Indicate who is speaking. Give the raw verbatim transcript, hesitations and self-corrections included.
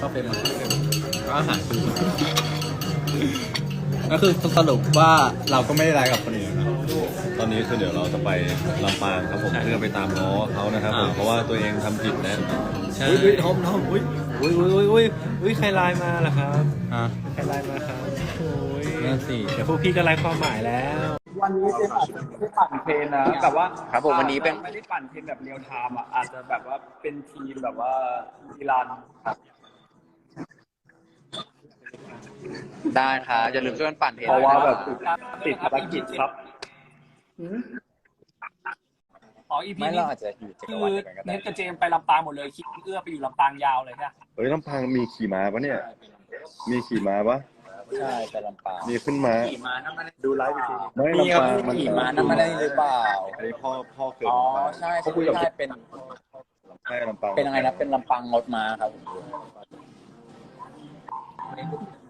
Speaker 1: เข้าเฟรมมาก็อาหารก็คือสรุปว่าเราก็ไม่ได้ไลฟ์กับคนอื่นนะ
Speaker 2: ตอนนี้คือเดี๋ยวเราจะไปลำปางครับผมเพื่อไปตามง้อเขานะครับผมเพราะว่าตัวเองทำผิดนะใช่อุ้ยทอมทอมอุ้ยอุ้ยอุ้ยอุ้ยอุ้ยใครไลน์มาล่ะครับ
Speaker 1: ฮะ
Speaker 2: ใครไลน์มาครับโอ้ย
Speaker 1: นั่นสิ
Speaker 2: เดี๋ยวพวกพี่ก็ไลน์ความหมายแล้ว
Speaker 3: วันนี้เป็นอาจจะไม่ได้ปั่นเทรนนะแบบว่า
Speaker 4: ครับผมวันนี้เป็น
Speaker 3: ไม่ได้ปั่นเทรนแบบเรียลไทม์อ่ะอาจจะแบบว่าเป็นทีมแบบว่าอีรันครับ
Speaker 4: ได้ครับอย่าลืมช่วยกันปั่นเทรน
Speaker 3: เพราะว่าแบบติดภารกิจครับอ๋อ อี พี
Speaker 4: ไม่
Speaker 3: นี้
Speaker 4: เราอาจจะอยู่จักร
Speaker 3: คื
Speaker 4: วาล
Speaker 3: อ
Speaker 4: เดียวกันก็ได้
Speaker 3: เน็ตกับเจมไปลำปางหมดเลยคิดเอื้อไปอยู่ลำปางยาวเลยใช่ไหม
Speaker 2: เฮ้ยลำพังมีขี่ม้าปะเนี่ยมีขี่ม้าปะ
Speaker 4: ใช่ไปลำปาง
Speaker 2: มีขึ้นม้า
Speaker 3: ขี่มานั่นมันดูไลฟ์อีกที
Speaker 2: ไม่
Speaker 4: มีค
Speaker 2: ลำ
Speaker 4: รับ
Speaker 2: ปางมัน
Speaker 4: ขี่ม้านั่นมาได้หรือเปล่า
Speaker 2: อันนี้พ่อพ่อเกิด
Speaker 4: อ๋อ
Speaker 2: ลำปาง
Speaker 4: ใช่
Speaker 2: เขา
Speaker 4: ใช่
Speaker 2: คุยกับ
Speaker 4: ใช่เป็น
Speaker 2: ใช่ลำปาง
Speaker 4: เป็นอะไรนะเป็นลำปางงดม้าครับผม